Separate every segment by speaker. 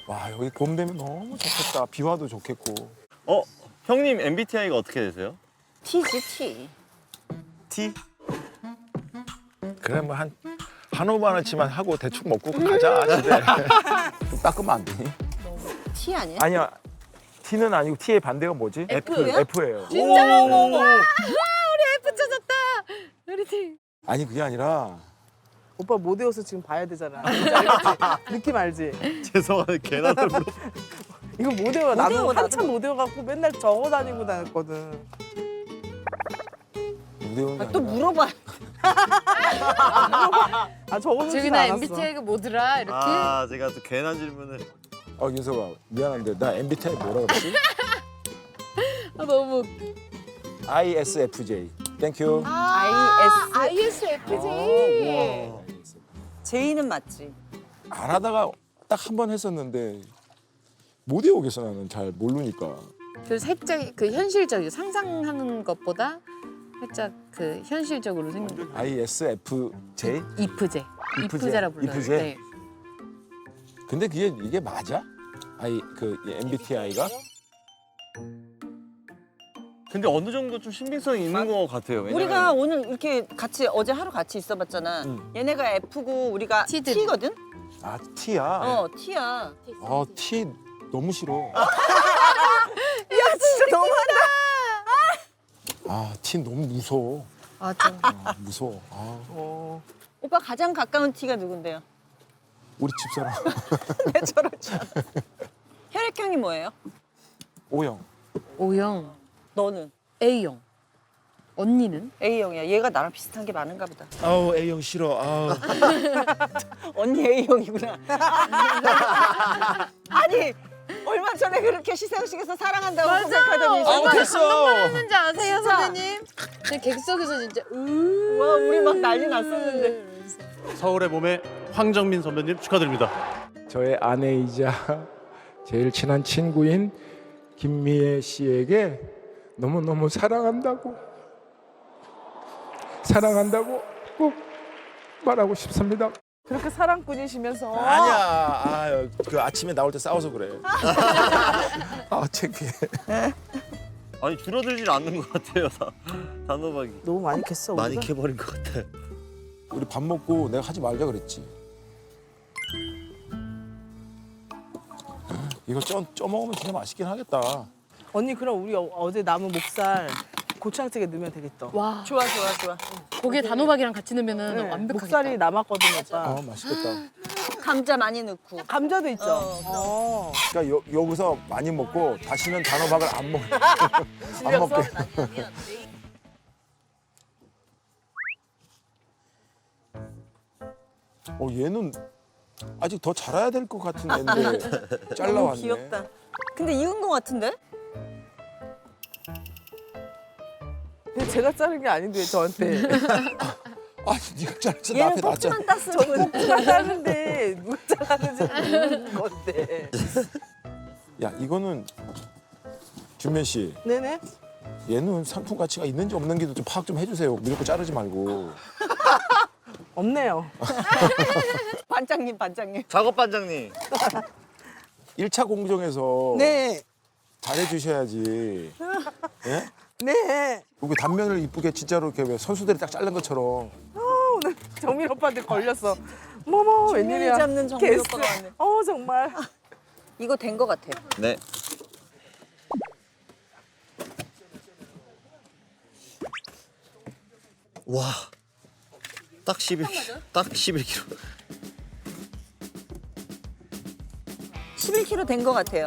Speaker 1: 와 여기 봄 되면 너무 좋겠다. 비와도 좋겠고.
Speaker 2: 형님 MBTI가 어떻게 되세요?
Speaker 3: T지 T.
Speaker 2: T?
Speaker 1: 그래 뭐 한 5만원치만 하고 대충 먹고 가자 집에. 좀 닦으면 안 되니?
Speaker 3: T 아니야?
Speaker 1: 아니야. T는 아니고 T의 반대가 뭐지?
Speaker 3: F야?
Speaker 1: F예요.
Speaker 3: 진짜?
Speaker 2: 오.
Speaker 3: F 찾았다. 우리 T.
Speaker 1: 아니 그게 아니라
Speaker 4: 오빠 못 외워서 지금 봐야 되잖아. 뭔지 알겠지? 느낌 알지?
Speaker 2: 죄송한데 계란을 물어.
Speaker 4: 이거 못 외워. 나도
Speaker 3: 외워, 나도.
Speaker 4: 한참 못 외워갖고 맨날 적어 다니고 다녔거든.
Speaker 1: 무대운 게
Speaker 3: 또
Speaker 1: 아니라
Speaker 3: 물어봐.
Speaker 4: 아 적어놓지
Speaker 5: 저기 나
Speaker 4: 않았어.
Speaker 5: MBTI가 뭐더라 이렇게.
Speaker 2: 아 제가 또 괜한 질문을.
Speaker 1: 윤서가 미안한데 나 MBTI 뭐라 그랬지?
Speaker 5: 아, 너무.
Speaker 1: ISFJ. 땡큐.
Speaker 5: ISFJ.
Speaker 3: J는 맞지.
Speaker 1: 안 하다가 딱 한 번 했었는데 못 외우겠어 나는 잘 모르니까.
Speaker 5: 그 살짝 그 현실적이고 상상하는 것보다 살짝 그 현실적으로 생각.
Speaker 1: ISFJ?
Speaker 5: 이프제.
Speaker 1: 이프제?
Speaker 5: 이프제라 불러요.
Speaker 1: 이프제?
Speaker 5: 네.
Speaker 1: 근데 이게 맞아? MBTI가?
Speaker 2: 근데 어느 정도 좀 신빙성이 있는 것 같아요. 왜냐면
Speaker 3: 우리가 오늘 이렇게 같이 어제 하루 같이 있어봤잖아. 얘네가 F고 우리가
Speaker 5: T들.
Speaker 3: T거든?
Speaker 1: 아 T야?
Speaker 3: T야.
Speaker 1: 아 T 너무 싫어.
Speaker 3: 야 진짜 너무하다.
Speaker 1: 아 T 너무 무서워.
Speaker 5: 맞아.
Speaker 1: 아, 무서워. 아,
Speaker 3: 오빠 가장 가까운 T가 누군데요?
Speaker 1: 우리 집사람
Speaker 3: 왜 저러지? 혈액형이 뭐예요?
Speaker 1: O형.
Speaker 5: O형,
Speaker 3: 너는?
Speaker 5: A형. 언니는?
Speaker 3: A형이야. 얘가 나랑 비슷한 게 많은가 보다.
Speaker 1: 아우 A형 싫어. 아우.
Speaker 3: 언니 A형이구나. 아니 얼마 전에 그렇게 시상식에서 사랑한다고 고백하더니
Speaker 1: 아우 됐어.
Speaker 5: 했는지 아세요,
Speaker 3: 진짜?
Speaker 5: 선생님? 제 객석에서 진짜
Speaker 3: 와 우리 막 난리 났었는데.
Speaker 6: 서울의 봄의 황정민 선배님 축하드립니다.
Speaker 7: 저의 아내이자 제일 친한 친구인 김미애 씨에게 너무너무 사랑한다고 꼭 말하고 싶습니다.
Speaker 4: 그렇게 사랑꾼이시면서
Speaker 1: 아니야. 그 아침에 나올 때 싸워서 그래. 아 창피해.
Speaker 2: 아니 줄어들질 않는 것 같아요. 단호박이.
Speaker 4: 너무 많이 캤어
Speaker 2: 많이
Speaker 4: 우리가?
Speaker 2: 캐버린 것 같아요.
Speaker 1: 우리 밥 먹고 내가 하지 말자 그랬지. 이거 쪄 먹으면 진짜 맛있긴 하겠다.
Speaker 4: 언니 그럼 우리 어제 남은 목살 고추장찌개 넣으면 되겠다.
Speaker 5: 와,
Speaker 3: 좋아 좋아 좋아.
Speaker 5: 거기에 단호박이랑 같이 넣으면은
Speaker 4: 네,
Speaker 5: 완벽하겠다.
Speaker 4: 목살이 남았거든 오빠.
Speaker 1: 맛있겠다.
Speaker 3: 감자 많이 넣고.
Speaker 4: 감자도 있죠.
Speaker 1: 그러니까 여기서 많이 먹고 다시는 단호박을 안 먹. 안 먹게. 얘는 아직 더 자라야 될 것 같은 애인데
Speaker 3: 너무
Speaker 1: 잘라왔네.
Speaker 3: 귀엽다. 근데 익은 거 같은데?
Speaker 4: 근데 제가 자른 게 아닌데 저한테.
Speaker 1: 아, 네가 잘라서
Speaker 3: 얘는
Speaker 1: 나한테 놨잖아.
Speaker 3: 꼭지만 땄으면
Speaker 4: 제가 자르는데 누가 잘랐는지 모르는 건데.
Speaker 1: 야, 이거는 준면 씨,
Speaker 4: 네네.
Speaker 1: 얘는 상품 가치가 있는지 없는지도 좀 파악 좀 해주세요. 무조건 자르지 말고.
Speaker 4: 없네요.
Speaker 3: 반장님 반장님.
Speaker 2: 작업 반장님.
Speaker 1: 1차 공정에서
Speaker 4: 네.
Speaker 1: 잘해주셔야지. 예?
Speaker 4: 네.
Speaker 1: 여기 단면을 이쁘게 진짜로 이렇게 왜 선수들이 딱 자른 것처럼.
Speaker 4: 오늘 정민 오빠한테 걸렸어. 뭐뭐 웬일이야.
Speaker 3: 잡는 정민
Speaker 4: 개쎄.
Speaker 3: 오빠가 왔네.
Speaker 4: 정말.
Speaker 3: 이거 된 거 같아.
Speaker 2: 네. 와. 딱 11kg. 딱 11kg.
Speaker 3: 11kg 된 거 같아요.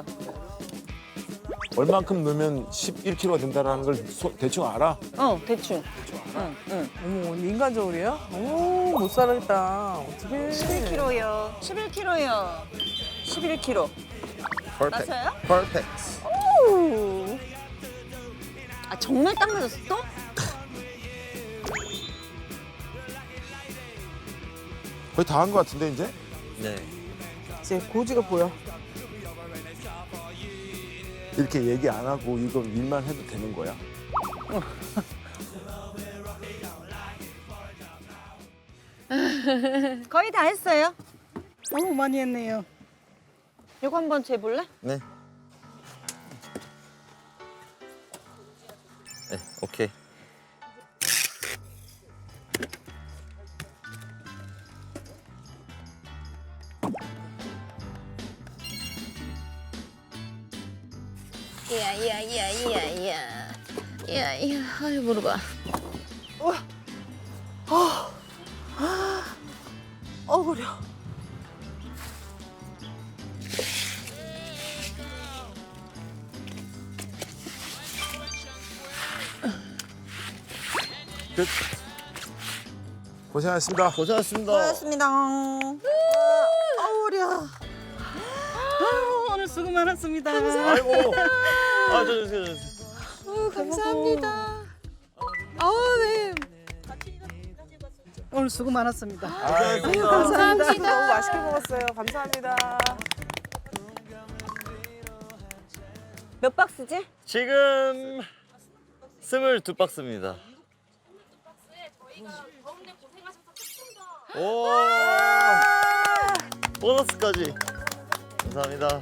Speaker 1: 얼만큼 넣으면 11kg가 된다는 걸 대충 알아?
Speaker 3: 대충. 응.
Speaker 4: 어머 언니 인간적으로요? 못 살겠다. 어떡해.
Speaker 3: 11kg요. 11kg요. 11kg. 맞아요?
Speaker 2: 퍼펙트.
Speaker 3: 아 정말 딱 맞았어 또?
Speaker 1: 거의 다 한 것 같은데 이제?
Speaker 2: 네.
Speaker 4: 이제 고지가 보여.
Speaker 1: 이렇게 얘기 안 하고 이거 일만 해도 되는 거야?
Speaker 3: 거의 다 했어요.
Speaker 8: 너무 많이 했네요.
Speaker 3: 이거 한번 재볼래?
Speaker 2: 네. 네, 오케이.
Speaker 5: 야야야야야야야야 아유 무릎아.
Speaker 4: 어우려.
Speaker 1: 끝. 고생하셨습니다.
Speaker 2: 고생하셨습니다.
Speaker 3: 고맙습니다. 어우려. 오늘 수고 많았습니다.
Speaker 2: 아이고. 아, 저 주세요.
Speaker 5: 감사합니다. 네.
Speaker 3: 오늘 수고 많았습니다.
Speaker 5: 감사합니다.
Speaker 4: 너무 맛있게 먹었어요. 감사합니다.
Speaker 3: 몇 박스지?
Speaker 2: 지금 22박스입니다. 오, 보너스까지. 감사합니다.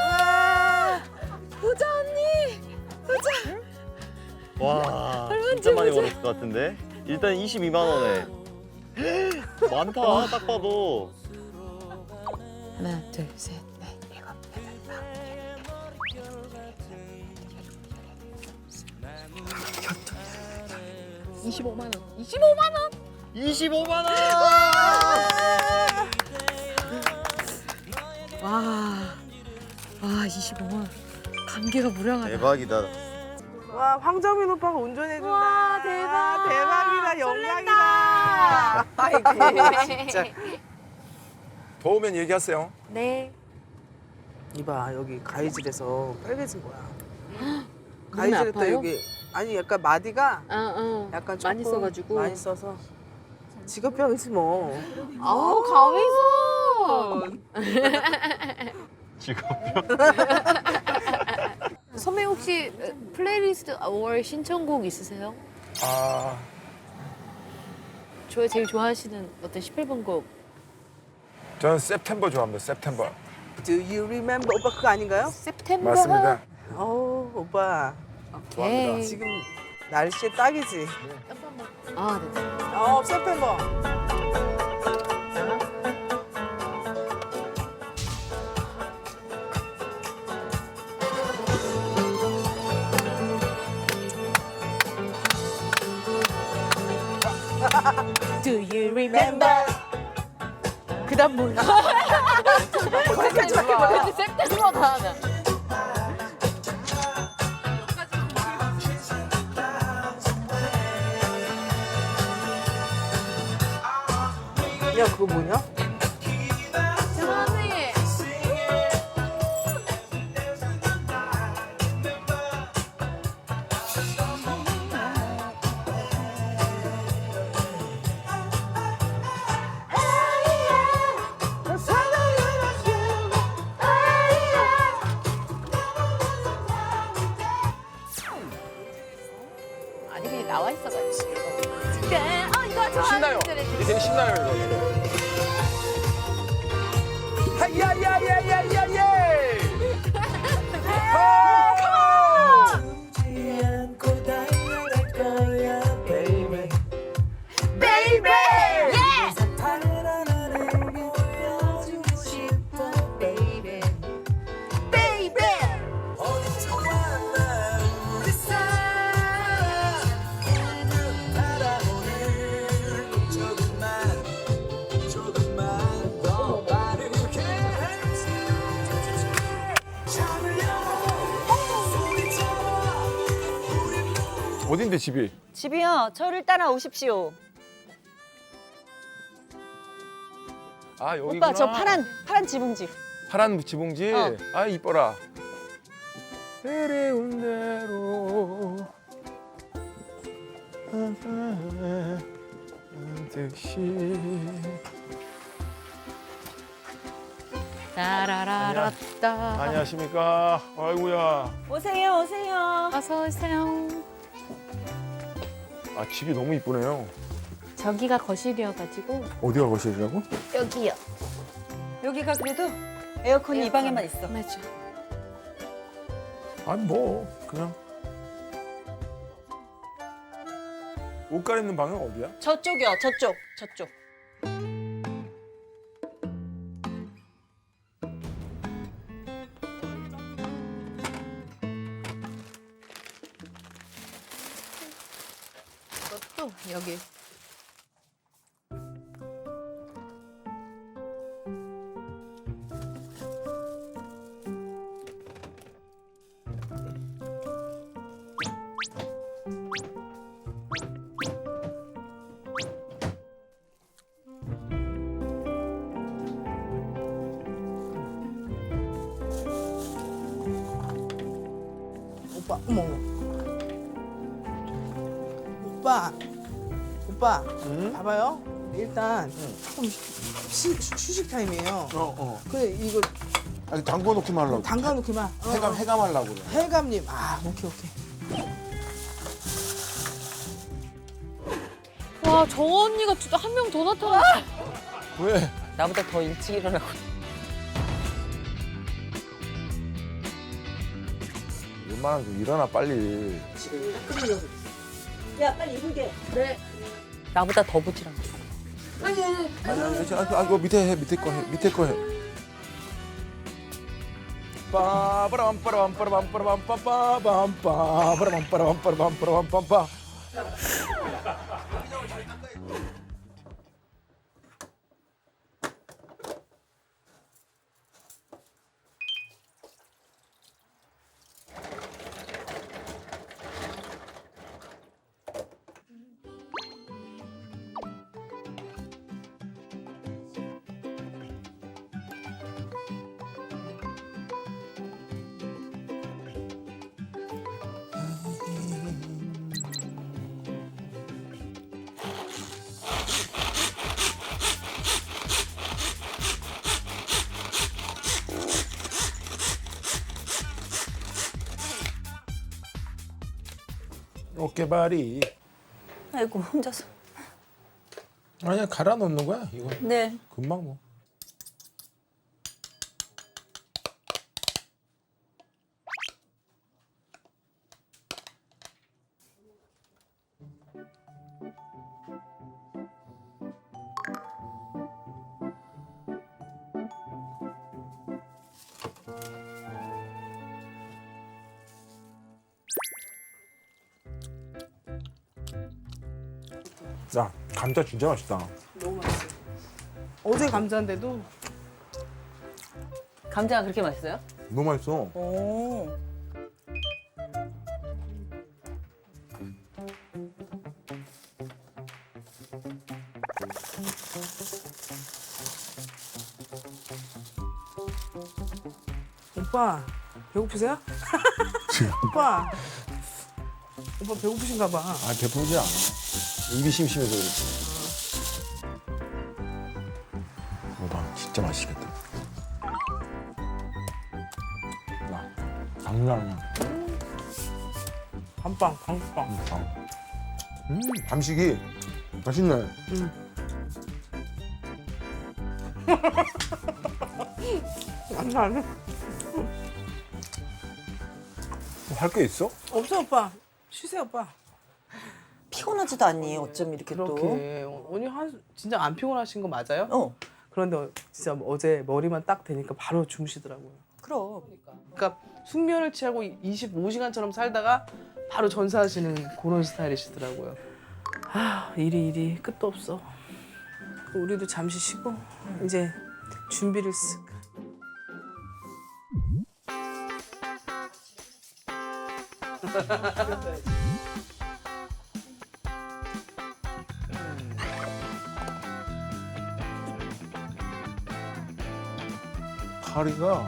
Speaker 5: 부자 언니.
Speaker 2: 와, 진짜 많이 벌었을 것 같은데. 일단 22만 원에. 많다, 딱 봐도.
Speaker 5: 하나 둘 셋 넷 일곱 여덟 아홉 25만 원. 25만 원.
Speaker 2: 25만 원!
Speaker 5: 와 25만 원. 감개가 무량하다.
Speaker 2: 대박이다.
Speaker 4: 와, 황정민 오빠가 운전해준다.
Speaker 5: 와, 대박.
Speaker 4: 대박이다. 영광이다. 아이고, 진짜.
Speaker 7: 더우면 얘기하세요.
Speaker 5: 네.
Speaker 4: 이봐, 여기 가위질에서 빨개진 거야.
Speaker 5: 눈이
Speaker 4: 가위질했다
Speaker 5: 아파요?
Speaker 4: 여기. 아니, 약간 마디가 약간 조금
Speaker 5: 많이 써가지고.
Speaker 4: 많이 써서. 직업병이지 뭐.
Speaker 5: 아우 가위손. 선배 혹시 플레이리스트 5월 신청곡 있으세요?
Speaker 7: 아,
Speaker 5: 저희 제일 좋아하시는 어떤 18번 곡.
Speaker 7: 저는 September 좋아합니다. September.
Speaker 4: Do you remember? 오빠 그거 아닌가요?
Speaker 5: September.
Speaker 7: 맞습니다.
Speaker 4: 어우, 오빠.
Speaker 5: 오케이.
Speaker 4: 지금 날씨에 딱이지.
Speaker 5: 아, 네.
Speaker 4: September.
Speaker 5: Do you remember?
Speaker 4: 그다음 뭐야?
Speaker 5: 근데 September다.
Speaker 4: 야, 그거 뭐냐?
Speaker 5: 세상에. 아니 그냥 나와 있어가지고. 이거 좋아하는
Speaker 7: 신나요.
Speaker 5: 노래.
Speaker 7: 이게 되게 신나요, 이거. 하야야야야야예! 어딘데 집이?
Speaker 3: 집이요. 저를 따라오십시오.
Speaker 7: 아 여기구나.
Speaker 3: 오빠 저 파란 지붕집.
Speaker 7: 파란 지붕지.
Speaker 3: 어.
Speaker 7: 아 이뻐라. 그리운 대로 듯이.
Speaker 5: 따라라라따.
Speaker 7: 안녕하십니까. 아이고야.
Speaker 3: 오세요, 오세요.
Speaker 5: 어서 오세요.
Speaker 7: 아 집이 너무 이쁘네요.
Speaker 5: 저기가 거실이어가지고
Speaker 7: 어디가 거실이라고?
Speaker 5: 여기요.
Speaker 3: 여기가 그래도 에어컨이 이 방에만 있어.
Speaker 5: 맞아.
Speaker 7: 아니 뭐 그냥 옷 갈아입는 방은 어디야?
Speaker 3: 저쪽이요. 저쪽.
Speaker 5: 또 여기.
Speaker 4: 오빠, 어머. 오빠, 봐봐요. 일단 조금 휴식 타임이에요. 그래 이거
Speaker 7: 아니 담궈 놓기만 하려고.
Speaker 4: 담가 놓기만.
Speaker 7: 해감하려고 그래.
Speaker 4: 해감님, 오케이.
Speaker 5: 와, 저 언니가 한 명 더 나타났어.
Speaker 7: 왜?
Speaker 3: 나보다 더 일찍 일어나고.
Speaker 7: 웬만하면 좀 일어나 빨리.
Speaker 3: 야 빨리 입을게. 그래. 나보다 더 부지런.
Speaker 7: 아니 그거 밑에 거 해. 밑에 거 해. 빠바라밤빠라밤빠라밤빠라밤빠밤빠바라밤빠라밤빠라밤빠라밤빠라밤빠. 어깨발이.
Speaker 3: 아이고 혼자서.
Speaker 7: 아니야 갈아 넣는 거야 이거.
Speaker 3: 네.
Speaker 7: 금방 뭐. 야 감자 진짜 맛있다.
Speaker 4: 너무 맛있어. 어제 감자인데도
Speaker 3: 감자가 그렇게 맛있어요?
Speaker 7: 너무 맛있어.
Speaker 3: 오.
Speaker 4: 오빠 배고프세요? 오빠 배고프신가 봐.
Speaker 7: 아 배부르지 않아. 입이 심심해서 그렇지. 봐 진짜 맛있겠다. 야 장난 아니야.
Speaker 4: 밤빵.
Speaker 7: 밤식이 맛있네.
Speaker 4: 장난 아니야.
Speaker 7: 할 게 있어?
Speaker 4: 없어 오빠. 쉬세요 오빠.
Speaker 3: 피곤하지도 않니? 어쩜 이렇게 또.
Speaker 4: 그렇게 언니 진짜 안 피곤하신 거 맞아요?
Speaker 3: 어.
Speaker 4: 그런데 진짜 어제 머리만 딱 대니까 바로 주무시더라고요.
Speaker 3: 그럼.
Speaker 4: 그러니까 숙면을 취하고 25시간처럼 살다가 바로 전사하시는 그런 스타일이시더라고요. 일이 끝도 없어. 우리도 잠시 쉬고 이제 준비를 쓱.
Speaker 7: 다리가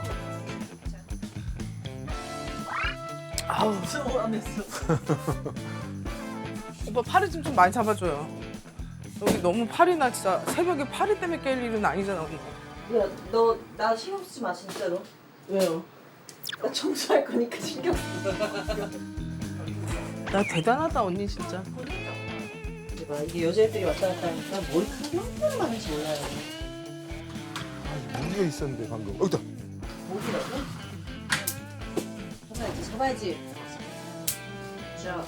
Speaker 4: 오빠 파리 좀 많이 잡아줘요. 여기 너무 파리나 진짜 새벽에 파리 때문에 깰 일은 아니잖아 언니.
Speaker 3: 야, 너 나 신경 쓰지 마 진짜로.
Speaker 4: 왜요?
Speaker 3: 나 청소할 거니까 신경 쓰지
Speaker 4: 나 대단하다 언니 진짜.
Speaker 3: 마. 이게 여자애들이 왔다 갔다 하니까 머리카락이 얼마나 많은지 몰라요.
Speaker 7: 무리가 있었는데 방금. 여기다.
Speaker 3: 잡아야지. 자.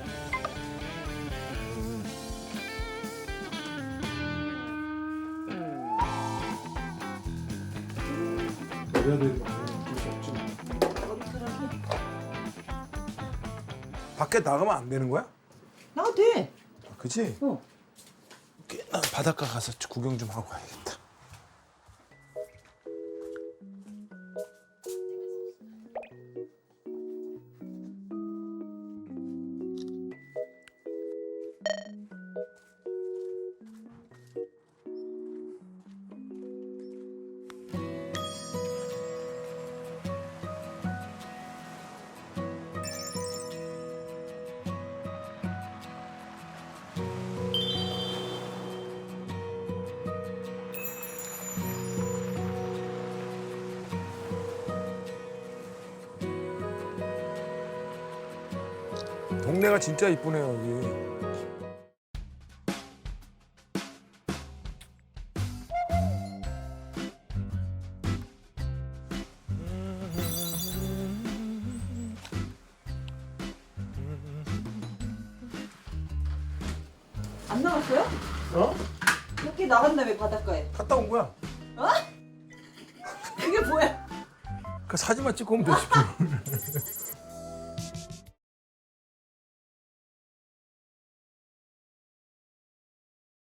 Speaker 7: 밖에 나가면 안 되는 거야?
Speaker 3: 나도 돼.
Speaker 7: 그치?
Speaker 3: 어.
Speaker 7: 나 바닷가 가서 구경 좀 하고 가야겠다. 동네가 진짜 이쁘네요, 여기.
Speaker 3: 안 나갔어요?
Speaker 7: 어?
Speaker 3: 밖에 나간다며 바닷가에.
Speaker 7: 갔다 온 거야.
Speaker 3: 그게 뭐야?
Speaker 7: 그 사진만 찍고 오면 되지.